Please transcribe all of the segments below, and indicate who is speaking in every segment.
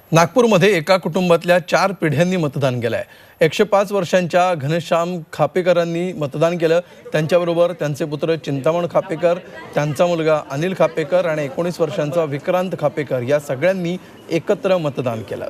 Speaker 1: नागपूरमध्ये एका कुटुंबातल्या 4 पिढ्यांनी मतदान केलं आहे। 105 वर्षांच्या घनश्याम खापेकरांनी मतदान केलं। त्यांच्याबरोबर त्यांचे पुत्र चिंतामण खापेकर, त्यांचा मुलगा अनिल खापेकर आणि 19 वर्षांचा विक्रांत खापेकर या सगळ्यांनी एकत्र मतदान केलं।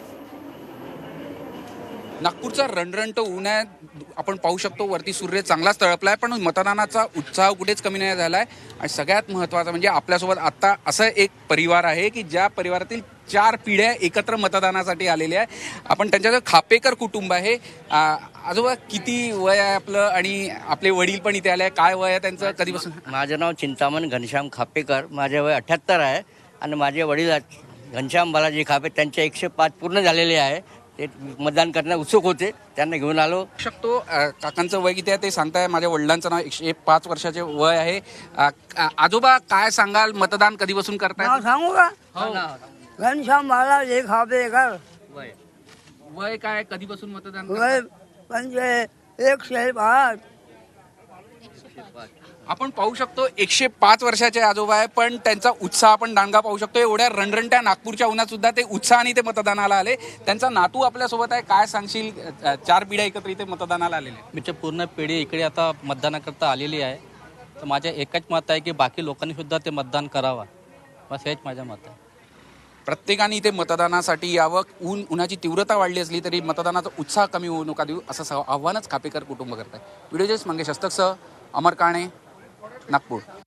Speaker 2: नागपूरचा रणरणट ऊन आहे, आपण पाहू शकतो वरती सूर्य चांगलाच तळपलाय, पण मतदानाचा उत्साह कुठेच कमी नाही झालाय। आणि सगळ्यात महत्त्वाचं म्हणजे आपल्यासोबत आता असं एक परिवार आहे की ज्या परिवारातील 4 पिढ्या एकत्र मतदानासाठी आलेल्या आहे। आपण त्यांच्याचं खापेकर कुटुंब आहे। आजोबा किती वय आहे आपलं आणि आपले वडील पण इथे आले, काय वय आहे त्यांचं, कधीपासून?
Speaker 3: माझं नाव चिंतामण घनश्याम खापेकर, माझे वय 78 आहे आणि माझे वडील घनश्याम बालाजी खापे, त्यांचे 105 पूर्ण झालेले आहे। ते मतदान करण्यास उत्सुक होते, त्यांना घेऊन आलो।
Speaker 2: शकतो काकांचं वय किती आहे ते सांगताय। माझ्या वडिलांचं नाव 105 वर्षाचे वय आहे। आजोबा काय सांगाल, मतदान कधीपासून करताय?
Speaker 4: नाव सांगू का?
Speaker 2: हो.
Speaker 4: घनश्याम बालाजी खापेकर,
Speaker 2: वय काय, कधीपासून मतदान
Speaker 4: वय
Speaker 2: करताय?
Speaker 4: 105.
Speaker 2: आपण पाहू शकतो 105 वर्षाचे आजोबा आहे, पण त्यांचा उत्साह आपण दांडगा पाहू शकतो। एवढ्या रणरणट्या नागपूरच्या उन्हात सुद्धा ते उत्साहाने ते मतदानाला आले। त्यांचा नातू आपल्यासोबत आहे, काय सांगशील? 4 पिढ्या एकत्र इथे मतदानाला आलेले आहेत।
Speaker 5: आमची पूर्ण पिढी इकडे आता मतदानाकरता आलेली आहे, तर माझे एकच मत आहे की बाकी लोकांनी सुद्धा ते मतदान करावं, बस हेच माझं मत आहे।
Speaker 2: प्रत्येकाने इथे मतदानासाठी यावं। उन्हाची तीव्रता वाढली असली तरी मतदानाचा उत्साह कमी होऊ नका देऊ, असं आव्हानच खापेकर कुटुंब करत आहे। व्हिडिओ जर्नलिस्ट मंगेश हस्तकसह अमर काणे, नागपूर।